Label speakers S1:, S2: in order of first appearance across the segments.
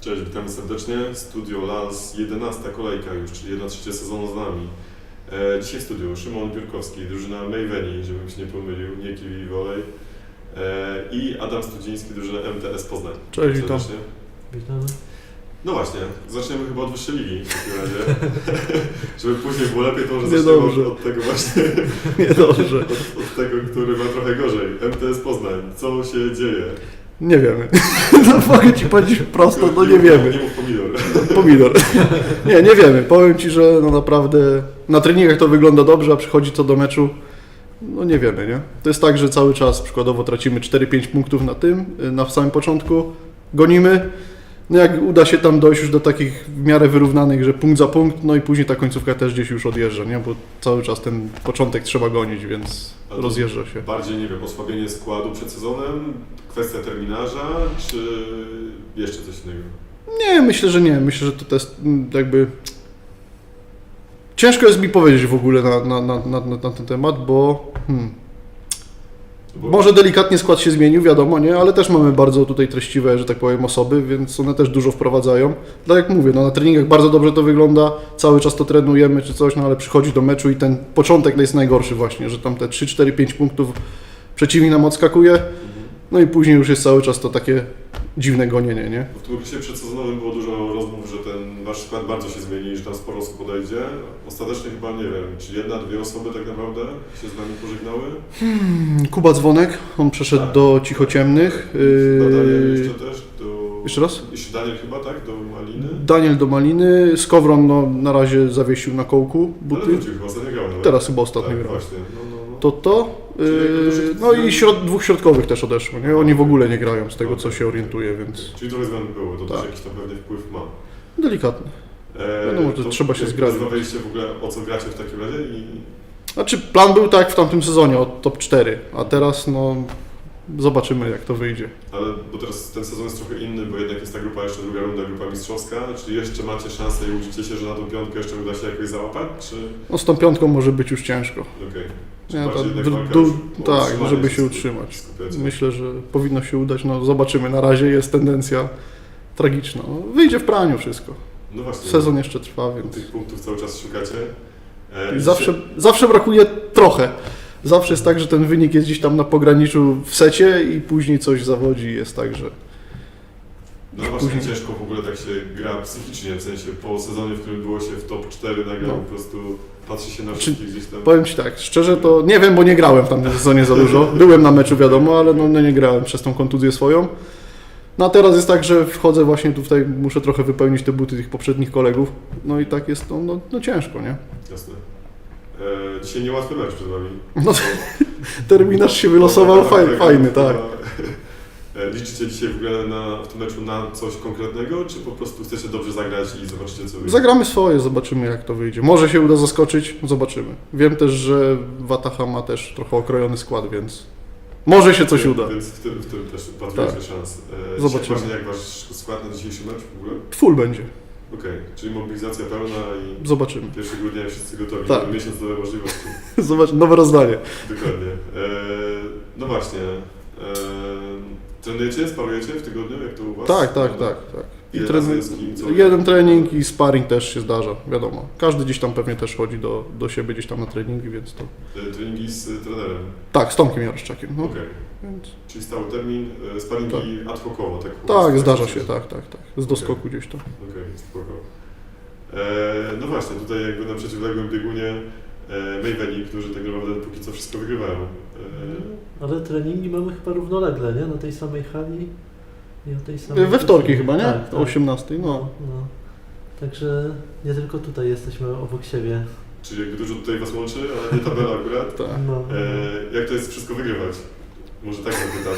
S1: Cześć, witamy serdecznie. Studio Lans, 11. kolejka już, czyli 1/3 sezonu z nami. Dzisiaj w studiu Szymon Biurkowski, drużyna Maveni, żebym się nie pomylił, nie Kiwi Volley. I Adam Studziński, drużyna MTS Poznań.
S2: Cześć, witam.
S3: Witamy.
S1: No właśnie, zaczniemy chyba od wyższej ligi w takim razie. Żeby później było lepiej, to może
S2: Nie
S1: zaczniemy
S2: dobrze.
S1: od tego właśnie,
S2: Niedobrze.
S1: od tego, który ma trochę gorzej. MTS Poznań, co się dzieje?
S2: Nie wiemy. No mogę Ci powiedzieć prosto, no nie wiemy.
S1: Nie mów pomidor.
S2: Pomidor. Nie wiemy. Powiem Ci, że no naprawdę na treningach to wygląda dobrze, a przychodzi to do meczu, no nie wiemy, nie? To jest tak, że cały czas przykładowo tracimy 4-5 punktów na samym początku, gonimy. No jak uda się tam dojść już do takich w miarę wyrównanych, że punkt za punkt, no i później ta końcówka też gdzieś już odjeżdża, nie? Bo cały czas ten początek trzeba gonić, więc rozjeżdża się.
S1: Bardziej, nie wiem, osłabienie składu przed sezonem, kwestia terminarza, czy jeszcze coś innego?
S2: Nie, myślę, że nie. Myślę, że to jest jakby... Ciężko jest mi powiedzieć w ogóle na ten temat, bo... Może delikatnie skład się zmienił, wiadomo, nie? Ale też mamy bardzo tutaj treściwe, że tak powiem, osoby, więc one też dużo wprowadzają. Tak jak mówię, no na treningach bardzo dobrze to wygląda, cały czas to trenujemy czy coś, no ale przychodzi do meczu i ten początek jest najgorszy właśnie, że tam te 3, 4, 5 punktów przeciwnik nam odskakuje, no i później już jest cały czas to takie dziwne gonienie, nie?
S1: W tym okresie przedsezonowym było dużo rozmów, że ten wasz skład bardzo się zmieni, że tam sporo osób podejdzie. Ostatecznie chyba, nie wiem, czy jedna, dwie osoby tak naprawdę się z nami pożegnały?
S2: Kuba Dzwonek, on przeszedł do Cichociemnych.
S1: Daniel jeszcze też do...
S2: Jeszcze raz?
S1: Jeszcze Daniel chyba, tak? Do Maliny?
S2: Daniel do Maliny, Skowron no, na razie zawiesił na kołku buty.
S1: Ale wrócił chyba, ostatnio grał nawet.
S2: Teraz chyba ostatnio
S1: tak,
S2: grał.
S1: właśnie,
S2: No i dwóch środkowych też odeszło, nie? Oni w ogóle nie grają z tego, co się orientuje, więc
S1: Czyli trochę zmian było, to
S2: Tak.
S1: też jakiś tam pewny wpływ ma.
S2: delikatnie. Wiadomo, że
S1: To
S2: trzeba się
S1: jak
S2: zgrać.
S1: Rozmawialiście w ogóle, o co gracie w takim razie i...
S2: Znaczy plan był tak w tamtym sezonie, od top 4, a teraz no zobaczymy jak to wyjdzie.
S1: Ale bo teraz ten sezon jest trochę inny, bo jednak jest ta grupa, jeszcze druga runda, grupa mistrzowska. Czy jeszcze macie szansę i uczycie się, że na tą piątkę jeszcze uda się jakoś załapać, czy...
S2: No z tą piątką może być już ciężko.
S1: Okej.
S2: Nie,
S1: Bardziej
S2: to
S1: jednak walka już o
S2: tak,
S1: utrzymanie
S2: żeby się
S1: skup-
S2: utrzymać.
S1: skupiacie.
S2: Myślę, że powinno się udać, no zobaczymy. Na razie jest tendencja tragiczna. No, wyjdzie w praniu wszystko.
S1: No właśnie.
S2: Sezon jeszcze trwa, więc
S1: Tych punktów cały czas szukacie.
S2: i zawsze brakuje trochę. Zawsze jest tak, że ten wynik jest gdzieś tam na pograniczu w secie i później coś zawodzi i jest tak, że
S1: No właśnie
S2: później-
S1: ciężko w ogóle tak się gra psychicznie, w sensie po sezonie, w którym było się w top 4 nagle
S2: No.
S1: po prostu patrzy się na wszystkich gdzieś tam.
S2: powiem Ci tak, szczerze to nie wiem, bo nie grałem w tamtym sezonie za dużo. Byłem na meczu wiadomo, ale no nie grałem przez tą kontuzję swoją. No a teraz jest tak, że wchodzę właśnie tutaj, muszę trochę wypełnić te buty tych poprzednich kolegów. No i tak jest to no ciężko, nie?
S1: Jasne. Dzisiaj niełatwy mecz przed Wami.
S2: No, terminarz się wylosował fajny, tak.
S1: Liczycie dzisiaj w ogóle w tym meczu na coś konkretnego, czy po prostu chcecie dobrze zagrać i zobaczycie co wyjdzie?
S2: Zagramy swoje, zobaczymy jak to wyjdzie. Może się uda zaskoczyć, zobaczymy. Wiem też, że Wataha ma też trochę okrojony skład, więc może się coś uda.
S1: Więc w tym też patrujecie
S2: Tak.
S1: szans.
S2: Zobaczymy.
S1: Dzisiaj jak Wasz skład na dzisiejszy mecz w ogóle?
S2: Full będzie,
S1: Okej, czyli mobilizacja pełna i
S2: zobaczymy.
S1: 1 grudnia wszyscy gotowi,
S2: Tak.
S1: mamy miesiąc nowe możliwości.
S2: Zobacz, nowe rozdanie.
S1: Dokładnie. No właśnie. Trenujecie, sparujecie w tygodniu, jak to u Was?
S2: Tak. I
S1: Ile razy jest kim, co?
S2: jeden trening i sparring też się zdarza, wiadomo. Każdy gdzieś tam pewnie też chodzi do siebie gdzieś tam na treningi, więc to...
S1: Treningi z trenerem.
S2: Tak, z Tomkiem Jaroszczakiem. No.
S1: Okej.
S2: Więc...
S1: Czyli stały termin, sparingi ad hocowo, tak?
S2: Tak, zdarza się, tak. Z doskoku gdzieś tam.
S1: Okej, spoko. No właśnie, tutaj jakby na przeciwległym biegunie Maveni, którzy tak naprawdę póki co wszystko wygrywają.
S3: Ale treningi mamy chyba równolegle, nie? Na tej samej hali i o tej samej...
S2: We wtorki chyba, nie?
S3: Tak,
S2: O 18, no.
S3: no. Także nie tylko tutaj jesteśmy obok siebie.
S1: Czyli jakby dużo tutaj Was łączy, ale nie tabela akurat.
S2: Tak.
S3: No.
S1: Jak to jest wszystko wygrywać? Może tak zapytam.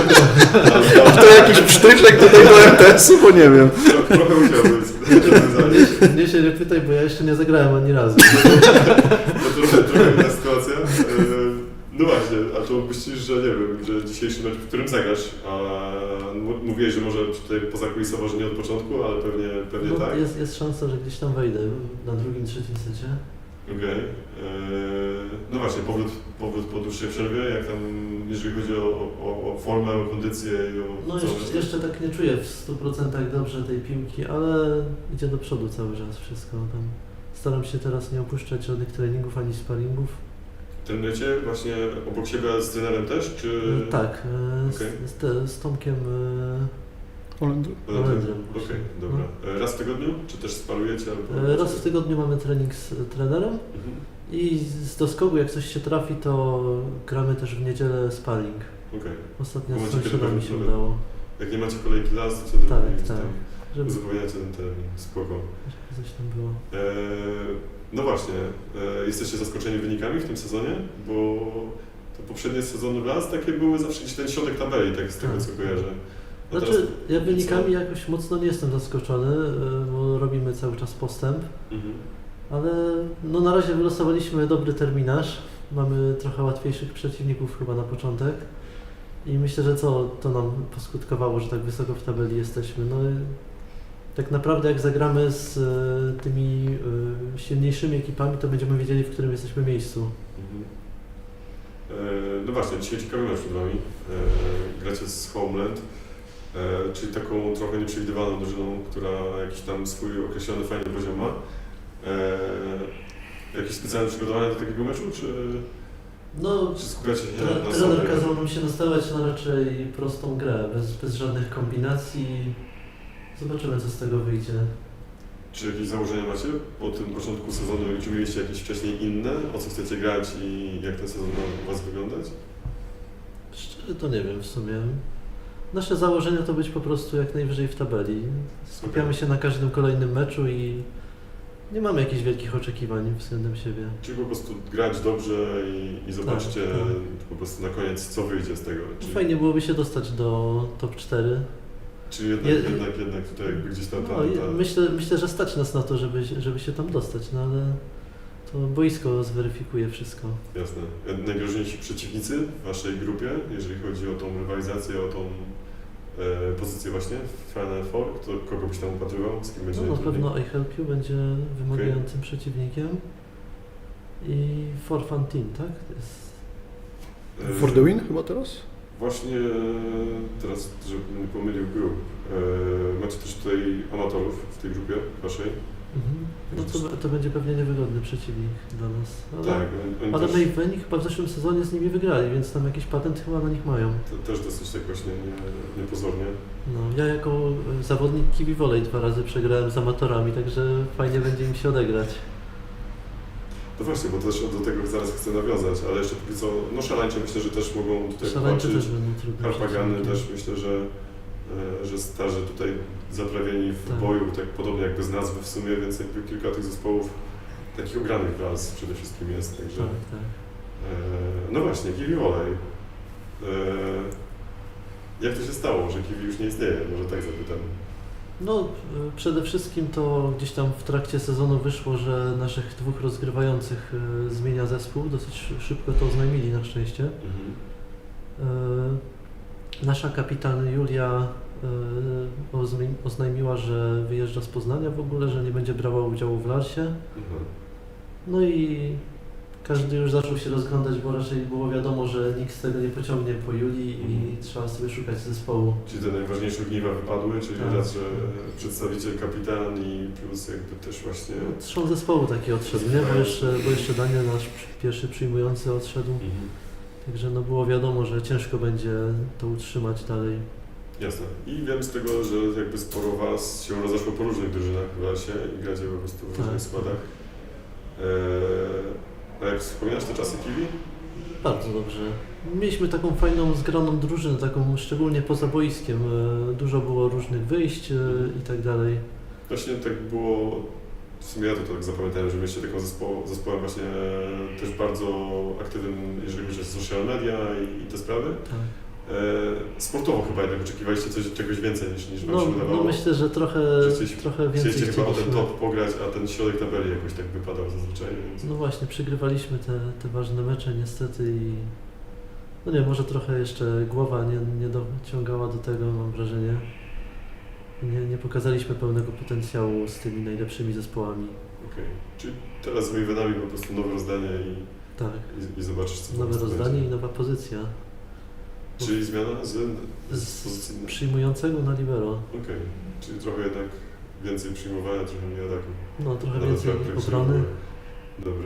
S2: To jakiś psztyczek tutaj do MTS-u, bo nie wiem.
S1: Trochę musiał być.
S3: Mnie się nie pytaj, bo ja jeszcze nie zagrałem ani razu.
S1: No trochę inna sytuacja. No właśnie, a to myślisz, że nie wiem, że dzisiejszy mecz, w którym zagrasz, a mówiłeś, że może tutaj pozakulisowo, że nie od początku, ale pewnie
S3: No,
S1: tak.
S3: jest szansa, że gdzieś tam wejdę na drugim, trzecim secie.
S1: Okej. No właśnie, powrót po dłuższej przerwie, jeżeli chodzi o formę, o kondycję i o
S3: No
S1: całą
S3: jeszcze, jeszcze tak nie czuję w 100% dobrze tej piłki, ale idzie do przodu cały czas wszystko. Tam staram się teraz nie opuszczać żadnych treningów ani sparingów.
S1: Trenujecie właśnie obok siebie z trenerem też, czy...
S3: Tak,
S1: Okej.
S3: z Tomkiem
S2: Holendry.
S3: Holendrem.
S1: Okej, dobra. Raz w tygodniu? Czy też sparujecie? Albo...
S3: Raz w tygodniu mamy trening z trenerem
S1: Mhm.
S3: i z doskoku jak coś się trafi, to gramy też w niedzielę sparring.
S1: Okej.
S3: Ostatnio
S1: Bo
S3: z
S1: macie
S3: sąsiadami
S1: kiedy
S3: się
S1: nawet-
S3: udało,
S1: Jak nie macie kolejki las, to wtedy
S3: Tak,
S1: gdzieś
S3: tak.
S1: tam
S3: żeby
S1: uzupełniacie ten termin. Spoko.
S3: coś tam było.
S1: No właśnie, jesteście zaskoczeni wynikami w tym sezonie? Bo to poprzednie sezony las takie były zawsze gdzieś ten środek tabeli, tak z tego
S3: Tak.
S1: co kojarzę. A
S3: Znaczy, ja
S1: co?
S3: wynikami jakoś mocno nie jestem zaskoczony, bo robimy cały czas postęp,
S1: Mhm.
S3: ale no na razie wylosowaliśmy dobry terminarz. Mamy trochę łatwiejszych przeciwników chyba na początek i myślę, że to nam poskutkowało, że tak wysoko w tabeli jesteśmy. No i tak naprawdę jak zagramy z tymi silniejszymi ekipami, to będziemy wiedzieli, w którym jesteśmy miejscu.
S1: Mhm. No właśnie, dzisiaj ciekawy mecz przed Wami. Gracie z Homeland, czyli taką trochę nieprzewidywaną drużyną, która jakiś tam swój określony fajny poziom ma. Jakieś specjalne przygotowania do takiego meczu,
S3: No,
S1: czy skupiacie się na
S3: trener
S1: sobie?
S3: kazał nam się nastawiać na raczej prostą grę, bez żadnych kombinacji. Zobaczymy, co z tego wyjdzie.
S1: Czy jakieś założenia macie po tym początku sezonu? Czy mieliście jakieś wcześniej inne? O co chcecie grać i jak ten sezon ma u Was wyglądać?
S3: Szczerze to nie wiem w sumie. Nasze założenia to być po prostu jak najwyżej w tabeli. Skupiamy się na każdym kolejnym meczu i nie mamy jakichś wielkich oczekiwań względem siebie.
S1: Czy po prostu grać dobrze i zobaczcie
S3: Tak, tak.
S1: po prostu na koniec, co wyjdzie z tego?
S3: Fajnie byłoby się dostać do top 4.
S1: Czy jednak tutaj jakby gdzieś tam
S3: No, myślę, że stać nas na to, żeby się tam dostać, no ale to boisko zweryfikuje wszystko.
S1: Jasne. Najgroźniejsi przeciwnicy w Waszej grupie, jeżeli chodzi o tą rywalizację, o tą pozycję właśnie w Final Four, kogo byś tam upatrywał, z kim będzie
S3: No, na
S1: najtrudniej?
S3: pewno I Help You będzie wymagającym przeciwnikiem. I For Fun Team, tak? To jest...
S2: For the win chyba teraz?
S1: Właśnie teraz, żebym nie pomylił grup, macie też tutaj amatorów w tej grupie Waszej.
S3: No to będzie pewnie niewygodny przeciwnik dla nas.
S1: Tak, oni
S3: Ale
S1: też,
S3: Mayweni chyba w zeszłym sezonie z nimi wygrali, więc tam jakiś patent chyba na nich mają.
S1: też dosyć tak właśnie niepozornie.
S3: No, ja jako zawodnik kiwi volley 2 razy przegrałem z amatorami, także fajnie będzie im się odegrać.
S1: No właśnie, bo też do tego zaraz chcę nawiązać, ale jeszcze póki co, no szarańcze myślę, że też mogą tutaj
S3: Szaleńczy
S1: walczyć.
S3: też będą trudne
S1: Harpagany
S3: przeciwnikiem.
S1: też myślę, że starzy tutaj zaprawieni w
S3: Tak.
S1: boju, tak podobnie jakby z nazwy w sumie, więc jakby kilka tych zespołów takich ogranych raz przede wszystkim jest, także...
S3: Tak, tak.
S1: No właśnie, Kiwi Volley. Jak to się stało, że Kiwi już nie istnieje? Może tak zapytam.
S3: No, przede wszystkim to gdzieś tam w trakcie sezonu wyszło, że naszych 2 rozgrywających zmienia zespół. Dosyć szybko to oznajmili na szczęście. Nasza kapitan Julia oznajmiła, że wyjeżdża z Poznania w ogóle, że nie będzie brała udziału w Larsie.
S1: Mhm.
S3: No i każdy już zaczął się rozglądać, bo raczej było wiadomo, że nikt z tego nie pociągnie po Julii i trzeba sobie szukać zespołu.
S1: Czyli te najważniejsze ogniwa wypadły, czyli
S3: Tak.
S1: raz, że przedstawiciel, kapitan i plus jakby też właśnie...
S3: Trzon zespołu taki odszedł, nie? Bo jeszcze Daniel, nasz pierwszy przyjmujący, odszedł.
S1: Mhm.
S3: Także no było wiadomo, że ciężko będzie to utrzymać dalej.
S1: Jasne. I wiem z tego, że jakby sporo Was się rozeszło po różnych drużynach w Larsie i gracie po prostu w różnych
S3: Tak.
S1: składach. A jak wspominasz te czasy Kiwi?
S3: Bardzo dobrze. Mieliśmy taką fajną, zgraną drużynę, taką szczególnie poza boiskiem. Dużo było różnych wyjść i tak dalej.
S1: Właśnie tak było, w sumie ja to tak zapamiętałem, że mieliście taką zespołem właśnie też bardzo aktywnym, jeżeli chodzi o social media i te sprawy.
S3: Tak.
S1: Sportowo chyba jednak oczekiwaliście czegoś więcej niż Wam
S3: No,
S1: się wydawało.
S3: no myślę, że trochę więcej
S1: Chcieliście chyba o ten
S3: chcieliśmy.
S1: top pograć, a ten środek tabeli jakoś tak wypadał zazwyczaj, więc...
S3: No właśnie, przegrywaliśmy te ważne mecze niestety i no nie, może trochę jeszcze głowa nie dociągała do tego, mam wrażenie. Nie pokazaliśmy pełnego potencjału z tymi najlepszymi zespołami.
S1: Okej. Czyli teraz z Mavenami po prostu nowe rozdanie
S3: Tak,
S1: i zobaczysz co
S3: nowe
S1: po prostu
S3: rozdanie
S1: będzie.
S3: i nowa pozycja.
S1: Czyli zmiana z
S3: Z
S1: pozycji.
S3: przyjmującego na libero.
S1: Okej, czyli trochę jednak więcej przyjmowania, trochę mniej ataku.
S3: No trochę
S1: Nawet
S3: więcej
S1: jak
S3: obrony.
S1: przyjmuje. Dobra.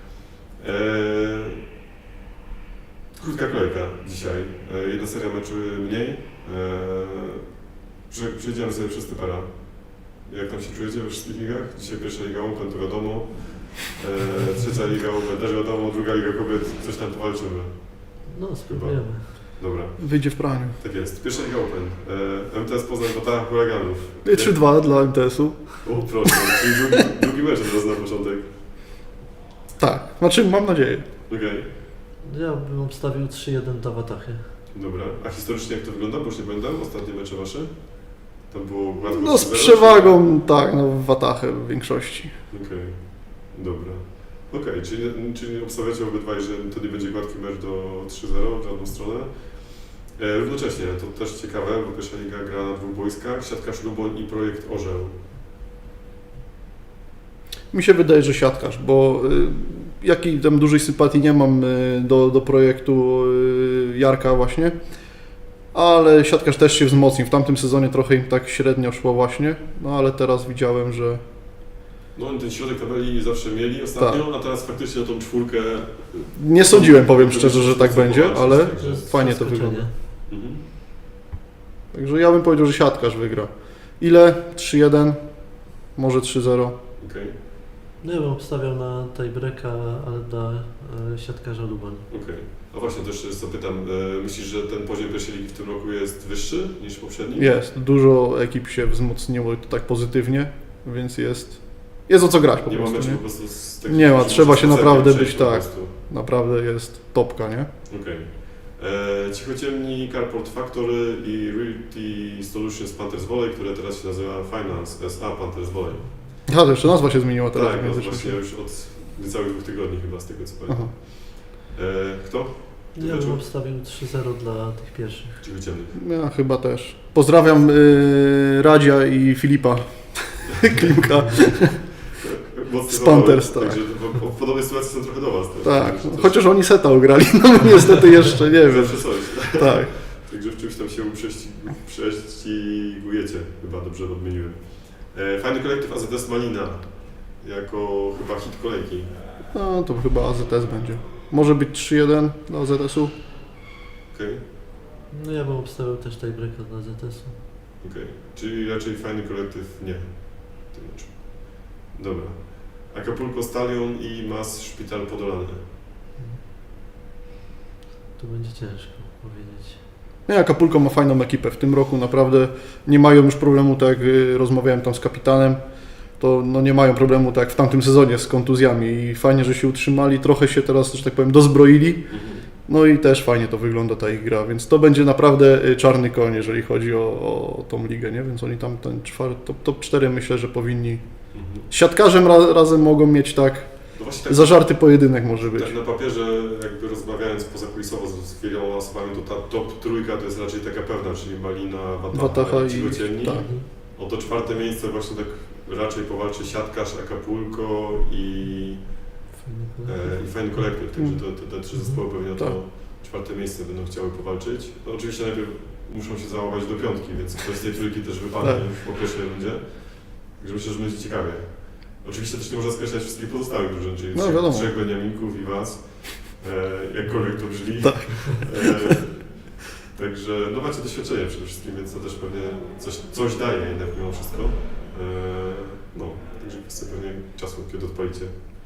S1: Krótka kolejka dzisiaj. Jedna seria meczy mniej. Przejdziemy sobie przez Typera. Jak tam się czujecie we wszystkich ligach? Dzisiaj pierwsza liga Open, to wiadomo. Trzecia liga Open, też wiadomo. Druga liga kobiet, coś tam powalczymy.
S3: No spróbujemy.
S1: Dobra,
S2: Wyjdzie w praniu.
S1: tak jest. Pierwsza liga Open. MTS Poznań Wataha Huraganów.
S2: 3-2 dla MTS-u.
S1: O proszę, czyli drugi mecz teraz na początek.
S2: Tak, znaczy mam nadzieję.
S1: Okej,
S3: Ja bym obstawił 3-1 dla Watachy.
S1: dobra. A historycznie jak to wygląda? Bo już nie pamiętam, ostatnie mecze wasze? Tam było gładko
S2: No z
S1: 3-0,
S2: przewagą, tak, no w Watachę w większości.
S1: Okej, dobra. Okej, czyli obstawiacie obydwaj, że to nie będzie gładki mecz do 3-0 w żadną stronę. Równocześnie, to też ciekawe, bo pierwsza liga gra na dwóch boiskach, Siatkarz Luboń i Projekt Orzeł.
S2: Mi się wydaje, że siatkarz, bo jakiej tam dużej sympatii nie mam do projektu Jarka właśnie, ale siatkarz też się wzmocnił. W tamtym sezonie trochę im tak średnio szło właśnie, no ale teraz widziałem, że
S1: No oni ten środek tabeli zawsze mieli ostatnio,
S2: Tak.
S1: a teraz faktycznie tą czwórkę...
S2: nie sądziłem, powiem szczerze, że tak będzie, ale
S3: To jest
S2: fajnie to
S3: zaskoczenie.
S2: wygląda.
S1: Mhm.
S2: Także ja bym powiedział, że siatkarz wygra. Ile? 3-1, może 3-0.
S1: Okej,
S3: No ja bym obstawiał na tiebreaka, ale dla siatkarza Lubań.
S1: okej. A właśnie, też jeszcze zapytam, myślisz, że ten poziom pierwszej ligi w tym roku jest wyższy niż poprzedni?
S2: Jest, dużo ekip się wzmocniło i to tak pozytywnie, więc jest o co grać po
S1: Nie ma
S2: prostu.
S1: meczu
S2: Nie?
S1: po prostu z takich...
S2: Nie ma,
S1: że
S2: trzeba
S1: można
S2: się
S1: z
S2: naprawdę
S1: przejść
S2: być
S1: po
S2: tak.
S1: prostu.
S2: Naprawdę jest topka, nie?
S1: Okej. Cichociemni, Carport Factory i Realty Solutions Panthers Volley, które teraz się nazywa Finance SA Panthers Volley.
S2: A, to jeszcze nazwa się zmieniła teraz.
S1: Tak,
S2: w
S1: no
S2: międzyczasie.
S1: właśnie już od niecałych 2 tygodni chyba z tego co pamiętam.
S2: Aha.
S1: Kto? Ty
S3: Ja bym
S1: meczu?
S3: obstawił 3-0 dla tych pierwszych.
S1: Cichociemnych.
S2: Ja chyba też. Pozdrawiam Radzia i Filipa Klimka.
S1: Mocny
S2: Z Panthers,
S1: zawodnik,
S2: tak.
S1: Także w podobnej sytuacji są trochę do was.
S2: Tak,
S1: Także też
S2: chociaż oni seta ugrali, no niestety jeszcze nie wiem.
S1: zawsze coś.
S2: Tak.
S1: Także w czymś tam się prześcigujecie, chyba dobrze odmieniłem. Fajny kolektyw AZS Malina, jako chyba hit kolejki.
S2: No to chyba AZS będzie. Może być 3-1 dla AZS-u.
S1: Okej,
S3: No ja bym obstawiał też tiebreaka dla ZS-u.
S1: okej. Czyli raczej fajny kolektyw nie w tym meczu. Dobra. Acapulco Stallion i Mas Szpital Podolany.
S3: Tu będzie ciężko powiedzieć.
S2: Nie, Acapulco ma fajną ekipę. W tym roku naprawdę nie mają już problemu, tak jak rozmawiałem tam z kapitanem, to no nie mają problemu tak jak w tamtym sezonie z kontuzjami i fajnie, że się utrzymali, trochę się teraz, że tak powiem, dozbroili. No i też fajnie to wygląda ta ich gra, więc to będzie naprawdę czarny koń, jeżeli chodzi o tą ligę, nie? Więc oni tam ten top 4 myślę, że powinni. Z siatkarzem razem mogą mieć tak,
S1: No właśnie tak,
S2: zażarty pojedynek może być.
S1: tak na papierze, jakby rozmawiając pozakulisowo z wieloma osobami, to ta top trójka to jest raczej taka pewna, czyli Malina, Wataha
S2: Wataha
S1: i
S2: i
S1: Cichociemni.
S2: tak.
S1: O to 4. miejsce właśnie tak raczej powalczy siatkarz, Acapulco i fajny kolektyw, także te 3 zespoły pewnie o
S2: Tak.
S1: to 4. miejsce będą chciały powalczyć. No, oczywiście najpierw muszą się załamać do 5, więc ktoś z tej trójki też wypadnie
S2: Tak.
S1: już po pierwszej rundzie. Także myślę, że będzie ciekawie. Oczywiście też nie można skreślać wszystkich pozostałych drużyn, czyli
S2: No, wiadomo.
S1: 3 Beniaminków i was, jakkolwiek to brzmi.
S2: Tak.
S1: Także no macie doświadczenie przede wszystkim, więc to też pewnie coś daje jednak mimo wszystko. No, także kwestia pewnie czasu, kiedy odpalicie.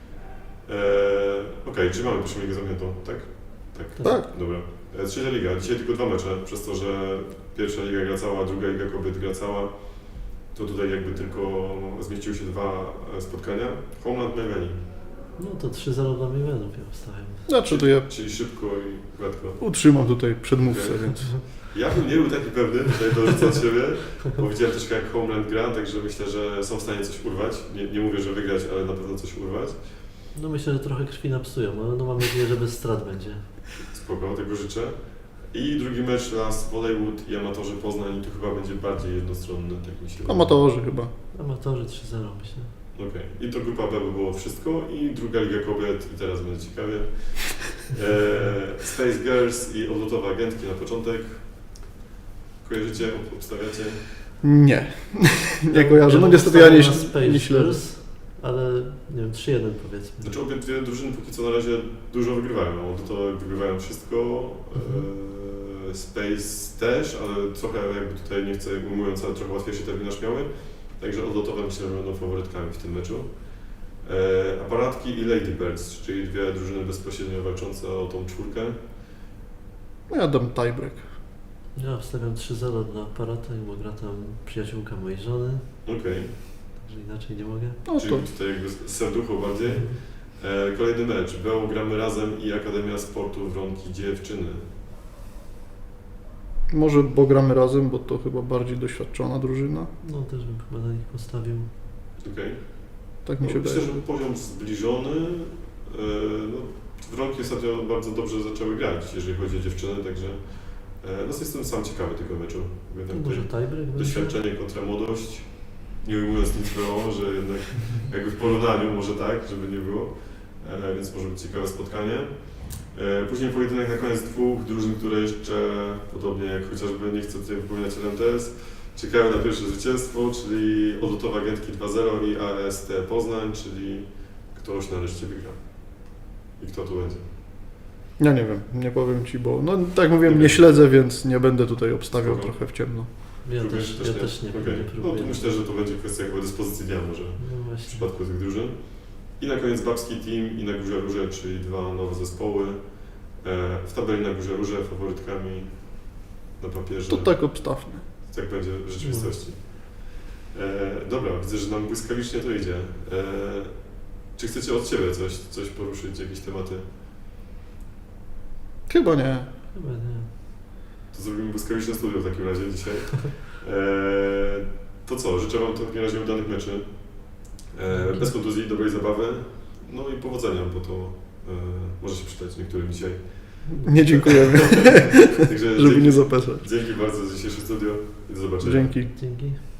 S1: Okej, czyli mamy pierwszą ligę zamkniętą, tak?
S2: Tak.
S1: Dobra. Trzecia liga, dzisiaj tylko 2 mecze, przez to, że pierwsza liga gra cała, druga liga kobiet gra cała, to tutaj jakby tylko zmieściły się 2 spotkania. Homeland Mayweni.
S3: No to 3-0 dla Mimenów ja obstawiam.
S2: Znaczy to ja
S1: Czyli szybko i gładko.
S2: utrzymam tutaj przedmówcę,
S1: Okej.
S2: więc
S1: Ja bym nie był taki pewny, tutaj dorzucę od siebie, bo widziałem troszkę jak Homeland gra, także myślę, że są w stanie coś urwać. Nie mówię, że wygrać, ale na pewno coś urwać.
S3: No myślę, że trochę krwi napsują, ale no mam nadzieję, że bez strat będzie.
S1: Spoko, tego życzę. I drugi mecz Las Volleywood i Amatorzy Poznań i tu chyba będzie bardziej jednostronny, tak mi się wydaje.
S2: amatorzy chyba.
S3: Amatorzy 3-0 myślę.
S1: Okej. I to grupa B by było wszystko i druga Liga Kobiet i teraz będzie ciekawie. Space Girls i odlotowe agentki na początek. Kojarzycie? Obstawiacie?
S2: Nie. Nie kojarzę. No niestety ja nie śledzę.
S3: Ale nie wiem, 3-1 powiedzmy.
S1: Znaczy obie dwie drużyny póki co na razie dużo wygrywają. Odlotowe wygrywają wszystko. Space też, ale trochę jakby tutaj nie chcę ujmując, ale trochę łatwiejszy terminarz miały. Także odlotowe myślę, że będą faworytkami w tym meczu. Aparatki i Ladybirds, czyli dwie drużyny bezpośrednio walczące o tą czwórkę.
S2: No ja dam tiebreak.
S3: Ja wstawiam 3-0 dla aparata i gra tam przyjaciółka mojej żony,
S1: Okej,
S3: także inaczej nie mogę.
S2: No
S1: czyli
S2: to
S1: tutaj jakby serducho bardziej. Kolejny mecz. BO gramy razem i Akademia Sportu Wronki Dziewczyny.
S2: może bo gramy razem, bo to chyba bardziej doświadczona drużyna.
S3: No też bym chyba na nich postawił.
S1: Okej.
S2: Tak mi się
S1: Myślę,
S2: wydaje.
S1: że poziom zbliżony. No, Wronki ostatnio bardzo dobrze zaczęły grać, jeżeli chodzi o dziewczyny, także no, jestem sam ciekawy tego meczu. Jednak
S3: Może
S1: tutaj
S3: tiebreak będzie?
S1: doświadczenie kontra młodość. Nie ujmując nic było, że jednak jakby w porównaniu może tak, żeby nie było. Więc może być ciekawe spotkanie. Później pojedynek na koniec dwóch drużyn, które jeszcze, podobnie jak chociażby, nie chcę tutaj wypominać LMTS, czekają na pierwsze zwycięstwo, czyli odlotowe agentki 2-0 i AST Poznań, czyli ktoś nareszcie wygra. I kto tu będzie?
S2: Ja nie wiem, nie powiem Ci, bo no tak jak mówiłem, nie śledzę, więc nie będę tutaj obstawiał
S1: Spoko.
S2: trochę w ciemno.
S3: Ja
S1: Próbujesz
S3: też nie,
S1: Okej.
S3: nie
S1: No
S3: próbuję.
S1: to myślę, że to będzie kwestia jakby dyspozycji dnia może
S3: No
S1: w
S3: właśnie.
S1: przypadku tych drużyn. I na koniec Babski Team i na Górze Róże, czyli dwa nowe zespoły. W tabeli na Górze Róże faworytkami na papierze.
S2: To tak obstawmy.
S1: Tak będzie w rzeczywistości. Dobra, widzę, że nam błyskawicznie to idzie. Czy chcecie od Ciebie coś poruszyć, jakieś tematy?
S2: Chyba nie.
S3: Chyba nie.
S1: To zrobimy błyskawiczne studio w takim razie dzisiaj. To co, życzę Wam w takim razie udanych meczy. Bez kontuzji, dobrej zabawy. No i powodzenia, bo to może się przydać niektórym dzisiaj.
S2: Nie dziękujemy,
S1: Także
S2: żeby nie zapeszać.
S1: dzięki bardzo za dzisiejsze studio i do zobaczenia.
S2: Dzięki.
S3: Dzięki.